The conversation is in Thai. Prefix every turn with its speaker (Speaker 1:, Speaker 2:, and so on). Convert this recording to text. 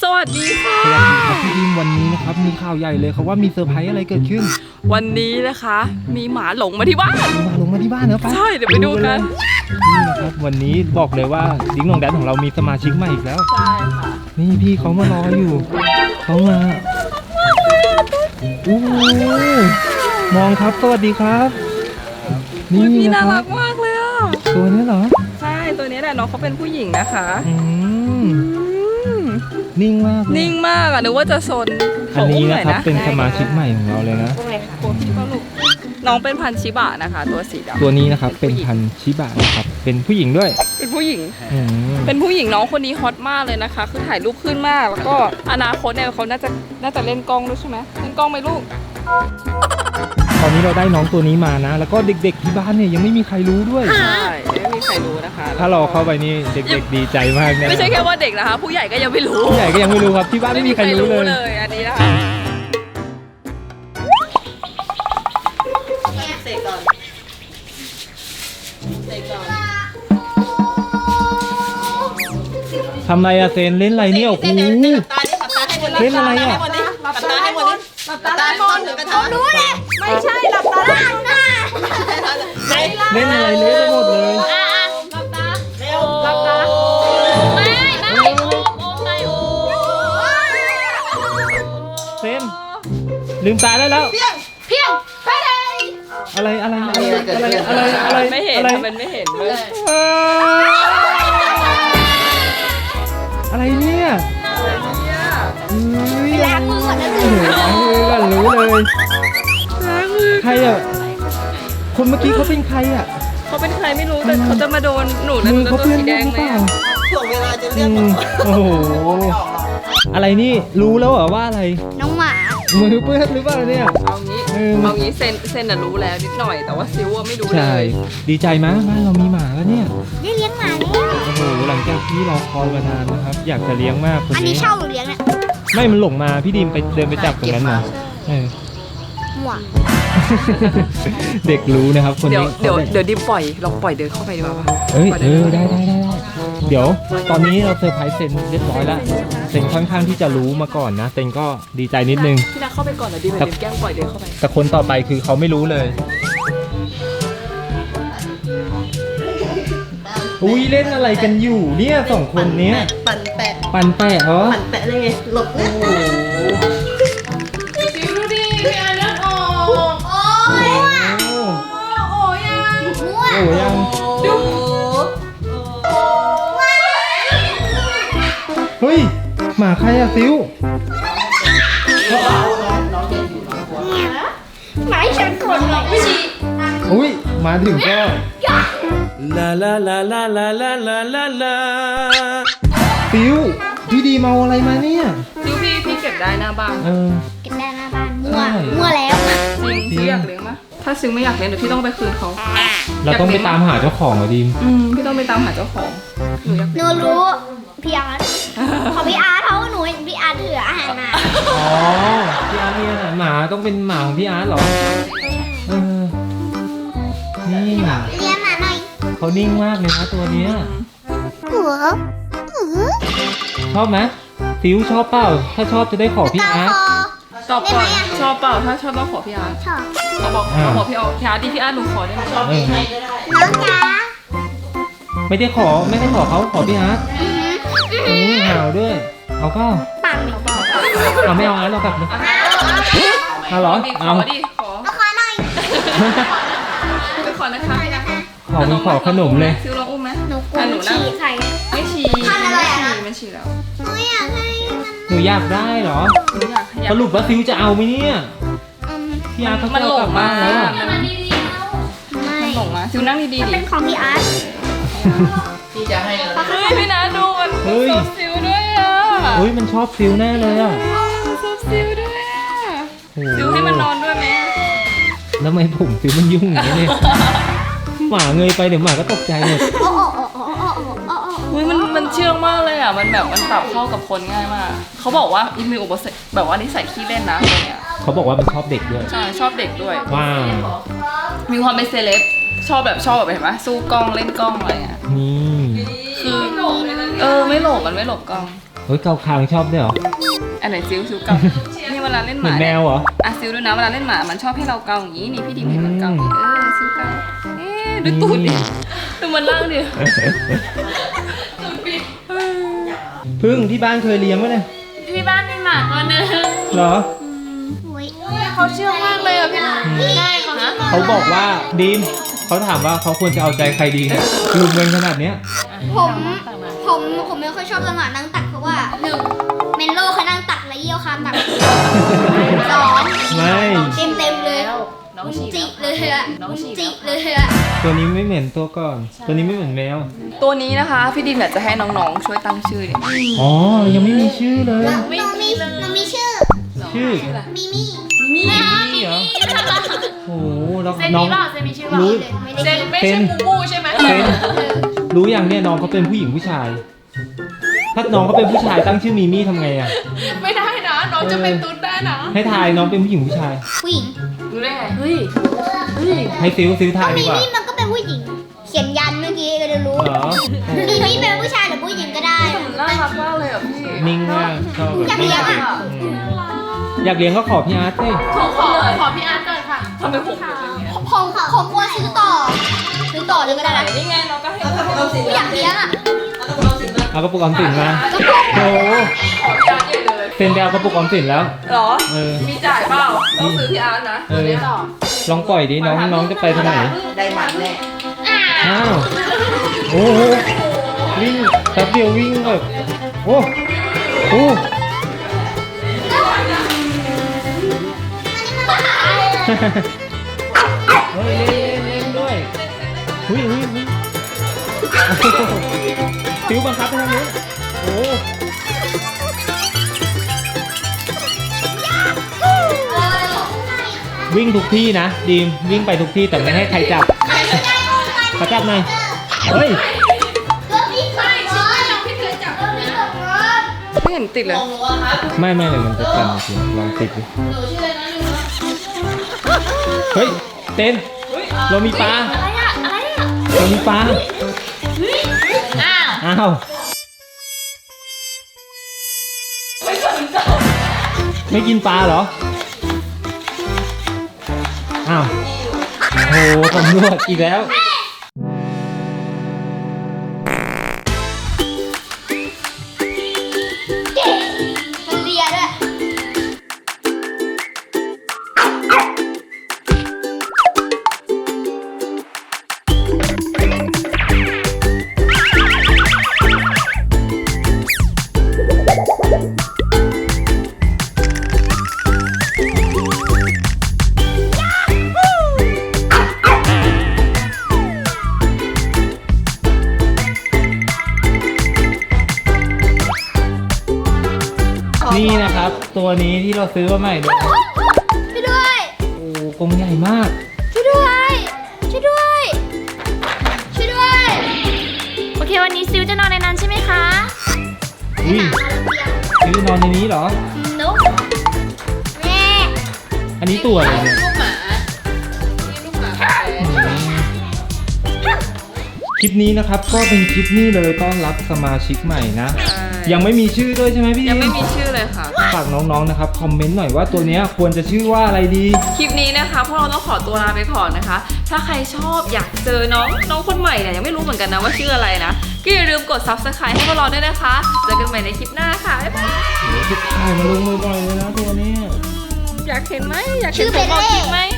Speaker 1: สวัสดีค่ะ
Speaker 2: สวัสดีครับพี่ดิมวันนี้นะครับมีข่าวใหญ่เลยเขาว่ามีเซอร์ไพรส์อะไรเกิดขึ้น
Speaker 1: วันนี้นะคะมีหมาหลงมาที่บ้าน
Speaker 2: ลงมาที่บ้านเนอะไป
Speaker 1: ใช่เดี๋ยวไปดูกัน
Speaker 2: นี่นะครับวันนี้บอกเลยว่าดิ้งน้องแดนของเรามีสมาชิกใหม่อีกแล้ว
Speaker 1: ใช่ค่ะ
Speaker 2: นี่พี่เขามารออยู่เขามาโอ้มองครับสวัสดีครับ
Speaker 1: นี่น่ารักมากเลยอ่ะ
Speaker 2: ตัวนี้เหรอ
Speaker 1: ใช่ตัวนี้แหละน้องเขาเป็นผู้หญิงนะคะ
Speaker 2: นิ่งมาก
Speaker 1: นิ่งมากอ่ะนึกว่าจะซน
Speaker 2: อันนี้นะครับเป็นสมาชิกใหม่ของเราเลยนะ
Speaker 1: น้องเป็นพันธุ์ชิบะนะคะตัวสีดำ
Speaker 2: ตัวนี้นะครับเป็นพันธุ์ชิบะนะครับเป็นผู้หญิงด้วย
Speaker 1: เป็นผู้หญิงเป็นผู้หญิงน้องคนนี้ฮอตมากเลยนะคะคือถ่ายรูปขึ้นมากแล้วก็อนาคตเนี่ยเขาน่าจะเล่นกล้องด้วยใช่ไหมเล่นกล้องไหมลูก
Speaker 2: ตอนนี้เราได้น้องตัวนี้มานะแล้วก็เด็กๆที่บ้านเนี่ยยังไม่มีใครรู้ด้วย
Speaker 1: ใช่ไม่มีใครรู้นะคะ
Speaker 2: ถ้าเราเข้าไปนี่เด็กๆดีใจมากนะ
Speaker 1: ไม่ใช่แค่ว่าเด็กนะคะผู้ใหญ่ก็ยังไม่รู้
Speaker 2: ผู้ใหญ่ก็ยังไม่รู้ครับที่บ้านไม่มีใครรู้
Speaker 1: เลยอันนี้นะคะเสกก่อน
Speaker 2: ทำไรอะเซนเล่นอะไรเนี่ยโอ้โหเล่นอะไรอะ
Speaker 1: หลับตาให้หมดเลยหลับตาให้หมดเขารู้เลยไม่ใช่หลับตาหน้า
Speaker 2: เล่นอะไรเละไปหมดเลย
Speaker 1: หลับตาเร็วหลับตาไม่โอมไงโอ
Speaker 2: เซนลืมตาได้แล้ว
Speaker 1: เพียงไปเลย
Speaker 2: อะไร
Speaker 1: ไม่เห็นมันไม่เห็นเลย
Speaker 2: อะไรเนี่ย
Speaker 1: ล้างมือก่อนนะ
Speaker 2: ล้างมือก่อนรู้เลยใครอ่ะคนเมื่อกี้เขาเป็นใครอ่ะ
Speaker 1: เขาเป็นใครไม่รู้แต่เขาจะมาโดนหนูแล้ว
Speaker 2: เขาเพื่อนแดงไหม
Speaker 1: ช่วงเวลาจะเรียก
Speaker 2: โอ้โหอะไรนี่รู้แล้วเหรอว่าอะไร
Speaker 1: น้องหมา
Speaker 2: มือเปื้อนหรือเปล่าเนี่ย
Speaker 1: เอางี้เซนน่ะรู้แล้วนิดหน่อยแต่ว่าซิวไม่รู้เลย
Speaker 2: ใช่ดีใจมั้ยบ้านเรามีหมาแล้วเนี่ย
Speaker 3: ได้เลี้ยงหมาแล้ว
Speaker 2: โอ้โหหลังจากที่รอคอยมานานนะครับอยากจะเลี้ยงมากคนนี้
Speaker 3: อันนี้เช่าหรือเลี้ยงเนี่ย
Speaker 2: ไม่มันหลงมาพี่ดีมไปเดินไปจับตรงนั้นมา
Speaker 3: หว
Speaker 2: เด็กรู้นะครับคนนี้
Speaker 1: เดี๋ยวดิมลองปล่อยเดินเข้าไปดีกว่าป่ะ
Speaker 2: ได้เดี๋ยวตอนนี้เราเซอร์ไพรส์เซนเรียบร้อยแล้วเซนค่อนข้างที่จะรู้มาก่อนนะเซนก็ดีใจนิดนึง
Speaker 1: พี่นักเข้าไปก่อนเดี๋ยวดิมแกล้งปล่อยเดินเข้าไป
Speaker 2: แต่คนต่อไปคือเขาไม่รู้เลยอุ้ยเล่นอะไรกันอยู่เนี่ยสองคนเนี้ย
Speaker 1: ปั่นแปะ
Speaker 2: เหรอ
Speaker 1: ปั่นแปะเลยไงหลบเลยดูดิพี่อันนั้นออก
Speaker 2: ยัง
Speaker 1: ดู
Speaker 2: เฮ้ยหมาใครอะซิว
Speaker 3: หมาฉันกดหรอกไม่ชี
Speaker 2: อุ้ยมาถึงก็
Speaker 4: ลาลาลาลาลาลาลาลาลา
Speaker 2: ซิวพี่ดีเมาอะไรมาเนี่ย
Speaker 1: ซิวพี่เก็บได้หน้าบ้าน
Speaker 3: เก็บได้หน้าบ้านมั่วแล้ว
Speaker 1: ซิวอยากเลี้ยงมั้ยถ้าซิวไม่อยากเลี้ยงเดี๋ยวพี่ต้องไปคืนเขา
Speaker 2: เราต้องไปตามหาเจ้าของเหรอดิม
Speaker 1: พี่ต้องไปตามหาเจ้าของ
Speaker 3: หนูรู้พี่อาร์ตของพี่อาร์ตเขาหนูเห็นพี่อาร์ตถืออาหารมา
Speaker 2: อ๋อพี่อาร์ตเนี่ยหมาต้องเป็นหมาของพี่อาร์ตเหรอนี่
Speaker 3: เลี้ยงหมาหน่อย
Speaker 2: เขานิ่งมากเลยนะตัวเนี้ยชอบไหมซิวชอบเปล่าถ้าชอบจะได้ขอพี่อาร์ต
Speaker 1: ตอบก่อนชอบเปล่าถ้าชอบต้องขอพี่อาร์ต
Speaker 3: ชอบ
Speaker 1: เขาบอกพี่อาร์ตดิพี่อาร์ตหนูขอได้ไหมชอบให้ก็ได้
Speaker 3: น้องจ๋า
Speaker 2: ไม่ได้ขอเขาขอพี่อาร์ตห่าวด้วยเอาเปล่า
Speaker 3: ปัง
Speaker 2: เอาไม่เอาอาร์ตเรากลับเลยเอาเหรอ
Speaker 1: เอาดิขอ
Speaker 3: หน่อย
Speaker 1: ไปขอนะคะ
Speaker 2: ขอขนมเลย
Speaker 1: ซิวลองอุ้มไหม
Speaker 3: หนูฉี่ใคร
Speaker 1: ไม่ฉี่ไม่ฉี่แล้ว
Speaker 2: หนูอยากได้เหรอสรุปว่าซิวจะเอาไหมเนี่ยพี่อาร์ตเขาจะกลับบ้านแล้ว
Speaker 1: มันหลงมาซิวนั่งดีๆดิ
Speaker 3: เป็นของพี่อาร์ต
Speaker 1: พี่จะให้เลยพี่นะดูมันชอบซิวด้วยอ่ะ
Speaker 2: มันชอบซิวแน่เลยอ่ะ
Speaker 1: ชอบซิวด้วยอ่ะซิวให้มันนอนด้วยไหม
Speaker 2: แล้วทำไมผมซิวมันยุ่งอย่างนี้เนี่ยหมาเงยไปเดี๋ยวหมาก็ตกใจหมด
Speaker 1: มันเชื่องมากเลยอ่ะมันแบบมันปรับเข้ากับคนง่ายมากเขาบอกว่ามีอุปสรรคแบบว่านิสัยขี้เล่นนะอะไรเงี้ย
Speaker 2: เขาบอกว่ามันชอบเด็กด้วย
Speaker 1: ใช่ชอบเด็กด้วย
Speaker 2: ว้าว
Speaker 1: มีความเป็นเซเลบชอบแบบเห็นไหมสู้กล้องเล่นกล้องอะไรเงี้ย
Speaker 2: นี่
Speaker 1: คือไม่หลบมันไม่หลบกล้อง
Speaker 2: เฮ้ยเกาคางชอบด้วยเหรอ
Speaker 1: อันไหนซิวเกานี่เวลาเล่นห
Speaker 2: เหมื
Speaker 1: มา
Speaker 2: อนแมวเหรอ
Speaker 1: อ่ะซิวดูนะเวลาเล่นหมามันชอบให้เราเกาอย่างนี้นี่พี่ดิมเห็นมันเกาอย่างนี้ซิวเกาดูตูดดิดูมันล่างดิ
Speaker 2: พึ่งที่บ้านเคยเลี้ยงไหมเนี่ย
Speaker 1: ที่บ้านมีหมาตัวนึง
Speaker 2: เหรอ
Speaker 1: เขาเชื่องมากเลยอ่ะพี่ใช่เขานะ
Speaker 2: เขาบอกว่าดีมเขาถามว่าเขาควรจะเอาใจใครดีเนี่ยลุมเงินขนาดเนี้ย
Speaker 3: ผมไม่ค่อยชอบจังหวะนั่งตักเพราะว่าหนึ่งเมนโลเขานั่งตักแล้วเยี่ยวคามตักสอง
Speaker 2: ไม่
Speaker 3: เต็มเลย
Speaker 1: น้องฉี
Speaker 3: จิเลยอะจิเลยอะ
Speaker 2: ตัวนี้ไม่เหม็นตัวก่อน ตัวนี้ไม่เหมือนแมว
Speaker 1: ตัวนี้นะคะพี่ดิมอยากจะให้น้องๆช่วยตั้งชื่อเนี่ย
Speaker 2: อ๋อ ยังไม่มีชื่อเลย
Speaker 3: น้องมีชื่อ
Speaker 2: ชื่อ
Speaker 3: มิมี่
Speaker 2: นี่เหรอ โอ้โหแล้วน้อง
Speaker 3: เซนมีชื่อ
Speaker 2: รู้
Speaker 3: ไม่
Speaker 1: เซ
Speaker 3: ได้
Speaker 1: นไม่ใช่มูมูใช่ไหม
Speaker 2: เซนรู้อย่างเนี่ยน้องเขาเป็นผู้หญิงผู้ชาย ถ้าน้องเขาเป็นผู้ชายตั้งชื่อมีมี่ทำไงอ่ะ
Speaker 1: ไม่ได้นะน้องจะเป็นตุ๊ดได้นะ
Speaker 2: ให้ทายน้องเป็นผู้หญิงผู้ชาย
Speaker 3: ผู้หญิง
Speaker 1: รู้ได้ไงเฮ้ย
Speaker 2: ให้ซิวทายดี
Speaker 3: มิ
Speaker 2: กว่า
Speaker 3: มี่มันก็เป็นผู้หญิง เขียนยันเมื่อกี้ก็จะรู้
Speaker 2: เหรอ
Speaker 3: มิมี่เป็นผู้ชายหรือผู้หญิงก็ได้
Speaker 1: น่ารักมากเลยอ่ะพี่
Speaker 2: นิ่งมากชอบแบบ
Speaker 3: อยากเลี้ยงอะ
Speaker 2: อืมอยากเลี้ยงก็ขอพี่อาร์ตสิ
Speaker 1: ขอพี่อาร์ตก่อนค่ะทำไมผมเป็นอย่างเงี้ย
Speaker 3: ของกลัวซื้อต่อเลยก็ได้นะ
Speaker 1: นี่ไงน้องก็ให้
Speaker 3: ผู้อยากเลี้ยงอะ
Speaker 2: เอากระปุกออมสินมาโอ้โห
Speaker 1: ขอพี่อาร์ตใหญ่เลย
Speaker 2: เซ็นไปเอากระปุกออมสินแล้ว
Speaker 1: หรอ
Speaker 2: เออ
Speaker 1: มีจ่ายเปล่าต้องซื้อพี่อาร์ตนะ
Speaker 2: เออ ลองปล่อยดิน้องจะไปทางไหน
Speaker 1: ได้หมันแน่
Speaker 2: อ้าวโอ้โหวิ่งแป๊บเดียววิ่งแบบโอ้โหเฮ้ยเล่นด้วยหุ้ยฟิวบังคับไปทางนู้นโอ้วิ่งทุกที่นะดีมวิ่งไปทุกที่แต่ไม่ให้ใครจับขอจับหน่อยเฮ้ย
Speaker 1: ไม่เห็นติดเลย
Speaker 2: ไม่เลยมันจะกันจริงลองติดดิเฮ้ยเต้นเรามีปลาเรามีปลาอ้าวไม่กินปลาเหรออ้าวโอ้โหตำรวจอีกแล้ว
Speaker 3: มันเลียด้วย
Speaker 2: นี่นะครับ ตัวนี้ที่เราซื้อมาใหม่เลย
Speaker 3: ช่วยด้วย
Speaker 2: โอ้กรงใหญ่มาก
Speaker 3: ช่วยด้วย ช่วยด้วย ช่วยด้วย
Speaker 5: โอเค วันนี้ซิวจะนอนในนั้นใช่ไหมคะ
Speaker 2: อุ้ยซื้อนอนในนี้เหรอ
Speaker 3: นุ๊กแม่
Speaker 2: อันนี้ตัวอะไรเนี่ย
Speaker 1: ลูกหมานี่ลูกหมา
Speaker 2: คลิปนี้นะครับก็เป็นคลิปนี้เลยต้อนรับสมาชิกใหม่นะ ยังไม่มีชื่อด้วยใช่ไหมพี่
Speaker 1: ยังไม่มีชื่อเลยค่ะ
Speaker 2: ฝากน้องๆนะครับคอมเมนต์หน่อยว่าตัวเนี้ยควรจะชื่อว่าอะไรดี
Speaker 1: คลิปนี้นะคะพวกเราต้องขอตัวลาไปก่อนนะคะ ถ้าใครชอบอยากเจอน้องคนใหม่เนี่ยยังไม่รู้เหมือนกันนะว่าชื่ออะไรนะ ก็อย่าลืมกด subscribe ให้พวกเราด้วยนะคะ เจอกันใหม่ในคลิปหน้าค่ะบ๊ายบาย
Speaker 2: เดี๋ยวจะถ่ายมาลงบ่อยๆเลยนะตัวเนี้ย
Speaker 1: อยากเห็นไหมอยาก
Speaker 3: ชื่
Speaker 1: เห็น
Speaker 3: อ
Speaker 1: ผมออก
Speaker 3: เบลเล่
Speaker 1: คลิปไหม